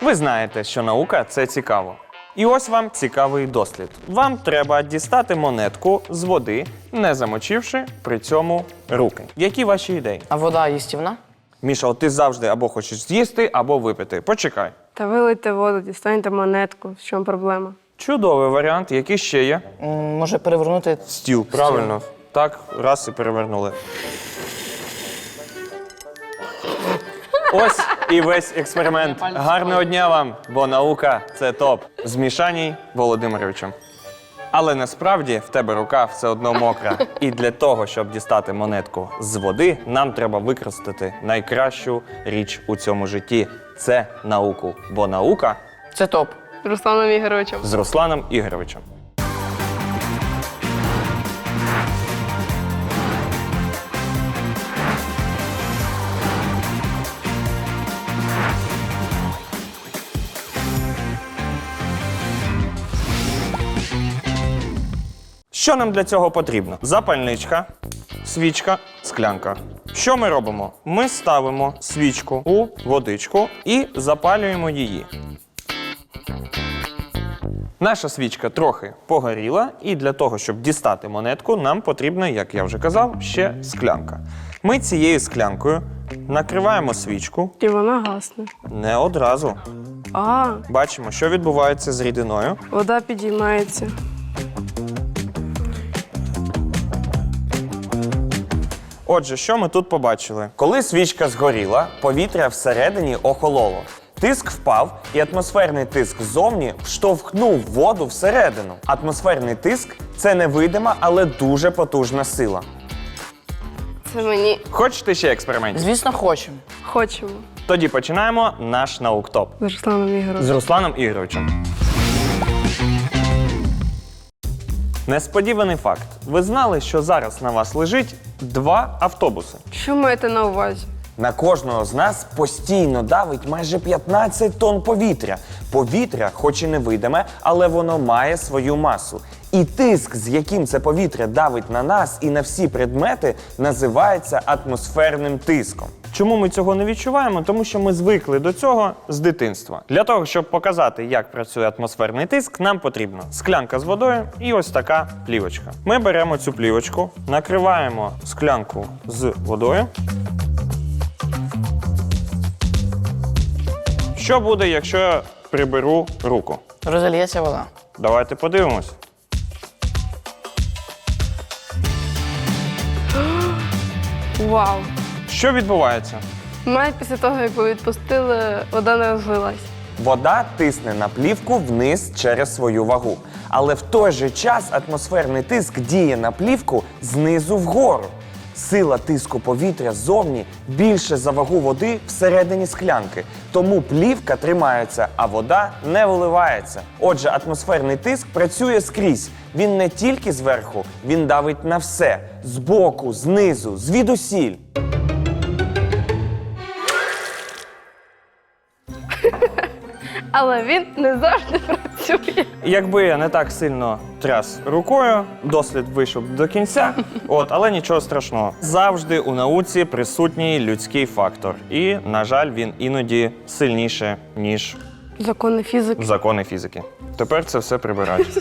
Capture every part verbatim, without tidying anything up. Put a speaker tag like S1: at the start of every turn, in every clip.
S1: Ви знаєте, що наука – це цікаво. І ось вам цікавий дослід. Вам треба дістати монетку з води, не замочивши при цьому руки. Які ваші ідеї?
S2: А вода їстівна?
S1: Міша, от ти завжди або хочеш з'їсти, або випити. Почекай.
S3: Та вилийте воду, дістаньте монетку. В чому проблема?
S1: Чудовий варіант. Який ще є?
S2: М, Може перевернути.
S1: Стіл, правильно. Так, раз і перевернули. Ось і весь експеримент. Гарного дня вам, бо наука – це топ. З Мішаній Володимировичем. Але насправді в тебе рука все одно мокра. І для того, щоб дістати монетку з води, нам треба використати найкращу річ у цьому житті – це науку. Бо наука
S2: Це топ.
S3: З Русланом Ігоровичем.
S1: з Русланом Ігоровичем. Що нам для цього потрібно? Запальничка, свічка, склянка. Що ми робимо? Ми ставимо свічку у водичку і запалюємо її. Наша свічка трохи погоріла, і для того, щоб дістати монетку, нам потрібна, як я вже казав, ще склянка. Ми цією склянкою накриваємо свічку.
S3: І вона гасне.
S1: Не одразу.
S3: А,
S1: Бачимо, що відбувається з рідиною.
S3: вода підіймається.
S1: Отже, що ми тут побачили? Коли свічка згоріла, повітря всередині охололо. Тиск впав, і атмосферний тиск ззовні штовхнув воду всередину. Атмосферний тиск – це невидима, але дуже потужна сила.
S3: Це мені
S1: Хочете ще експериментів?
S2: Звісно, хочемо.
S3: хочемо.
S1: Тоді починаємо наш науктоп.
S3: З Русланом Ігоровичем.
S1: З Русланом Ігоровичем. Несподіваний факт. Ви знали, що зараз на вас лежить два автобуси?
S3: Що маєте на увазі?
S1: На кожного з нас постійно давить майже п'ятнадцять тонн повітря. Повітря, хоч і невидиме, але воно має свою масу. І тиск, з яким це повітря давить на нас і на всі предмети, називається атмосферним тиском. Чому ми цього не відчуваємо? Тому що ми звикли до цього з дитинства. Для того, щоб показати, як працює атмосферний тиск, нам потрібна склянка з водою і ось така плівочка. Ми беремо цю плівочку, накриваємо склянку з водою. Що буде, якщо я приберу руку?
S2: Розольється вода.
S1: Давайте подивимось.
S3: Вау!
S1: Що відбувається?
S3: Навіть після того, як ви відпустили, вода не розлилась.
S1: Вода тисне на плівку вниз через свою вагу. Але в той же час атмосферний тиск діє на плівку знизу вгору. Сила тиску повітря ззовні більше за вагу води всередині склянки. Тому плівка тримається, а вода не виливається. Отже, атмосферний тиск працює скрізь. Він не тільки зверху, він давить на все. Збоку, знизу, звідусіль.
S3: Але він не завжди працює.
S1: Якби я не так сильно тряс рукою, дослід вийшов б до кінця, от, але нічого страшного. Завжди у науці присутній людський фактор. І, на жаль, він іноді сильніше, ніж
S3: Закони фізики.
S1: закони фізики. Тепер це все прибирають.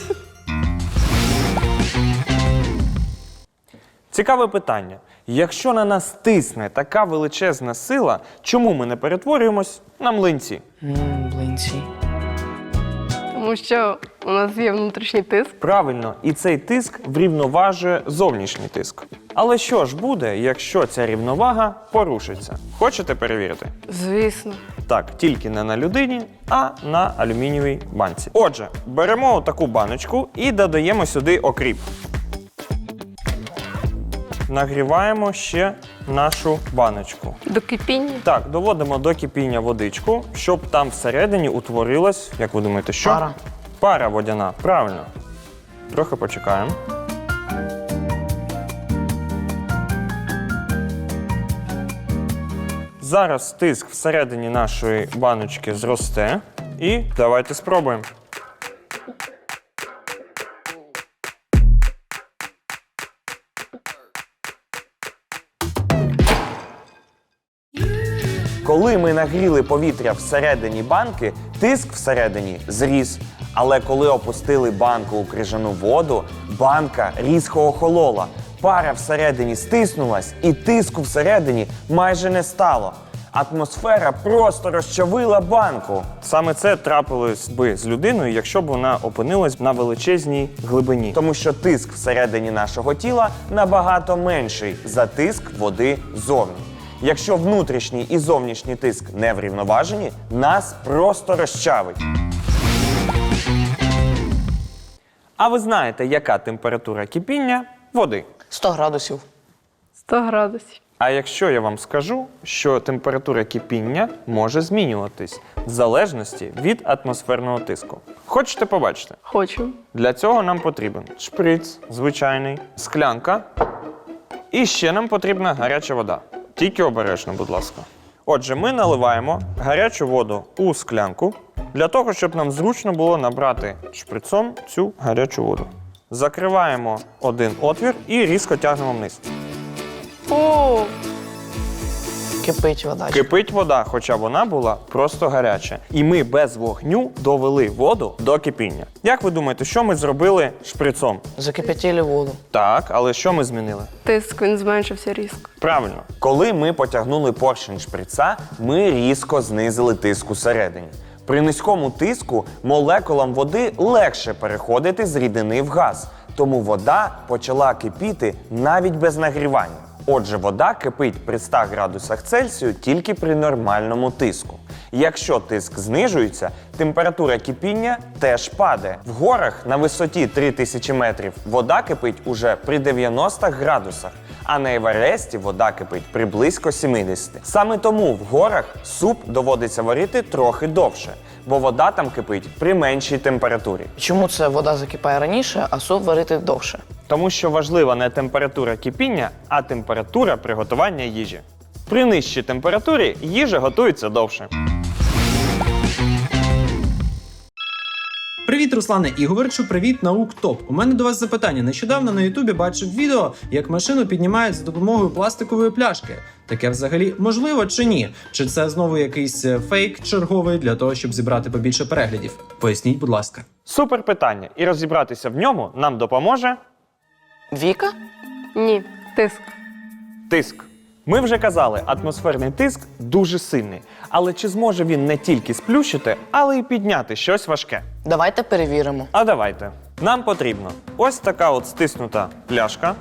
S1: Цікаве питання. Якщо на нас тисне така величезна сила, чому ми не перетворюємось на млинці?
S2: Ммм, блинці.
S3: Тому що у нас є внутрішній тиск.
S1: Правильно, і цей тиск врівноважує зовнішній тиск. Але що ж буде, якщо ця рівновага порушиться? Хочете перевірити?
S3: Звісно.
S1: Так, тільки не на людині, а на алюмінієвій банці. Отже, беремо таку баночку і додаємо сюди окріп. Нагріваємо ще нашу баночку.
S3: До кипіння.
S1: Так, доводимо до кипіння водичку, щоб там всередині утворилась, як ви думаєте, що?
S2: Пара.
S1: Пара водяна, правильно. Трохи почекаємо. Зараз тиск всередині нашої баночки зросте. І давайте спробуємо. Коли ми нагріли повітря всередині банки, тиск всередині зріс. Але коли опустили банку у крижану воду, банка різко охолола. Пара всередині стиснулась, і тиску всередині майже не стало. Атмосфера просто розчавила банку.
S4: Саме це трапилось би з людиною, якщо б вона опинилась на величезній глибині.
S1: Тому що тиск всередині нашого тіла набагато менший за тиск води зовні. Якщо внутрішній і зовнішній тиск не врівноважені, нас просто розчавить.
S4: А ви знаєте, яка температура кипіння води?
S2: сто градусів.
S3: сто градусів.
S4: А якщо я вам скажу, що температура кипіння може змінюватись в залежності від атмосферного тиску. Хочете побачити?
S3: Хочу.
S4: Для цього нам потрібен шприц, звичайний, склянка. І ще нам потрібна гаряча вода. Тільки обережно, будь ласка. Отже, ми наливаємо гарячу воду у склянку для того, щоб нам зручно було набрати шприцом цю гарячу воду. Закриваємо один отвір і різко тягнемо вниз.
S3: О,
S2: Кипить вода.
S4: Кипить вода, хоча вона була просто гаряча. І ми без вогню довели воду до кипіння. Як ви думаєте, що ми зробили шприцом?
S2: Закипятили воду.
S4: Так, але що ми змінили?
S3: тиск, він зменшився різко.
S4: Правильно.
S1: Коли ми потягнули поршень шприца, ми різко знизили тиск усередині. При низькому тиску молекулам води легше переходити з рідини в газ, тому вода почала кипіти навіть без нагрівання. Отже, вода кипить при ста градусах Цельсію тільки при нормальному тиску. Якщо тиск знижується, температура кипіння теж падає. В горах на висоті три тисячі метрів вода кипить уже при дев'яноста градусах, а на Евересті вода кипить при близько сімдесяти. Саме тому в горах суп доводиться варити трохи довше, бо вода там кипить при меншій температурі.
S2: Чому це вода закипає раніше, а суп варити довше?
S4: Тому що важлива не температура кипіння, а температура приготування їжі. При нижчій температурі їжа готується довше.
S5: Привіт, Руслане Ігорчу, привіт, Наук Топ. У мене до вас запитання. Нещодавно на Ютубі бачив відео, як машину піднімають за допомогою пластикової пляшки. Таке взагалі можливо чи ні? Чи це знову якийсь фейк черговий для того, щоб зібрати побільше переглядів? Поясніть, будь ласка.
S4: Супер питання. І розібратися в ньому нам допоможе
S2: Віка?
S3: Ні, тиск.
S4: тиск. Ми вже казали, атмосферний тиск дуже сильний. Але чи зможе він не тільки сплющити, але й підняти щось важке?
S2: Давайте перевіримо.
S4: А давайте. Нам потрібно ось така от стиснута пляшка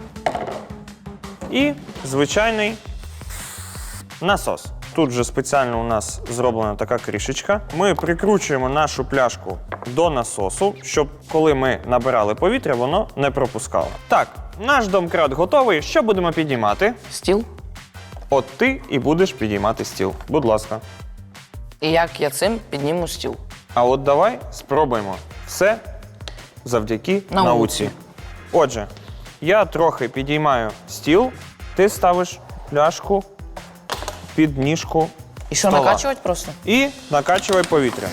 S4: і звичайний насос. Тут вже спеціально у нас зроблена така кришечка. Ми прикручуємо нашу пляшку до насосу, щоб коли ми набирали повітря, воно не пропускало. Так, наш домкрат готовий. Що будемо підіймати?
S2: Стіл.
S4: От ти і будеш підіймати стіл. Будь ласка.
S2: І як я цим підніму стіл?
S4: А от давай спробуємо. Все завдяки
S2: Науці.
S4: науці. Отже, я трохи підіймаю стіл, ти ставиш пляшку під ніжку
S2: І що,
S4: стола.
S2: накачувати просто?
S4: І накачувай повітря.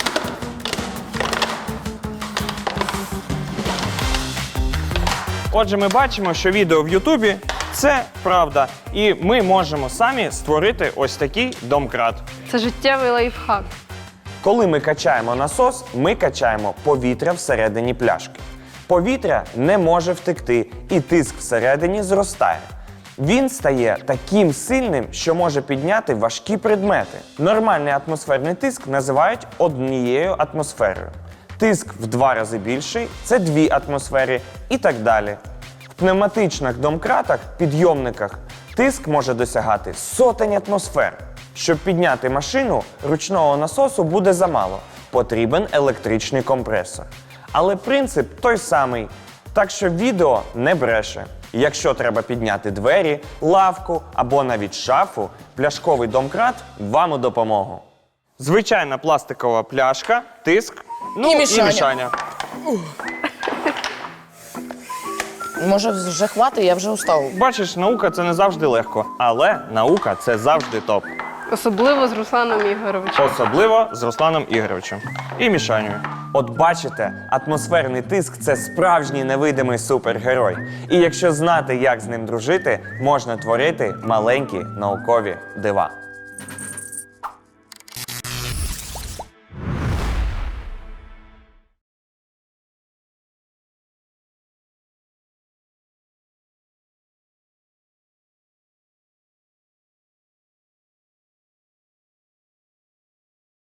S4: Отже, ми бачимо, що відео в Ютубі – це правда. І ми можемо самі створити ось такий домкрат.
S3: Це життєвий лайфхак.
S1: Коли ми качаємо насос, ми качаємо повітря всередині пляшки. Повітря не може втекти, і тиск всередині зростає. Він стає таким сильним, що може підняти важкі предмети. Нормальний атмосферний тиск називають однією атмосферою. Тиск в два рази більший – це дві атмосфери і так далі. В пневматичних домкратах, підйомниках, тиск може досягати сотень атмосфер. Щоб підняти машину, ручного насосу буде замало. Потрібен електричний компресор. Але принцип той самий. Так що відео не бреше. Якщо треба підняти двері, лавку або навіть шафу, пляшковий домкрат вам у допомогу.
S4: Звичайна пластикова пляшка, тиск, ну
S2: І
S4: і
S2: мішання.
S4: мішання.
S2: Може, вже хватить, я вже устав.
S4: Бачиш, наука – це не завжди легко, але наука – це завжди топ.
S3: Особливо з Русланом Ігоровичем.
S4: Особливо з Русланом Ігоровичем. І мішанню.
S1: От бачите, атмосферний тиск – це справжній невидимий супергерой. І якщо знати, як з ним дружити, можна творити маленькі наукові дива.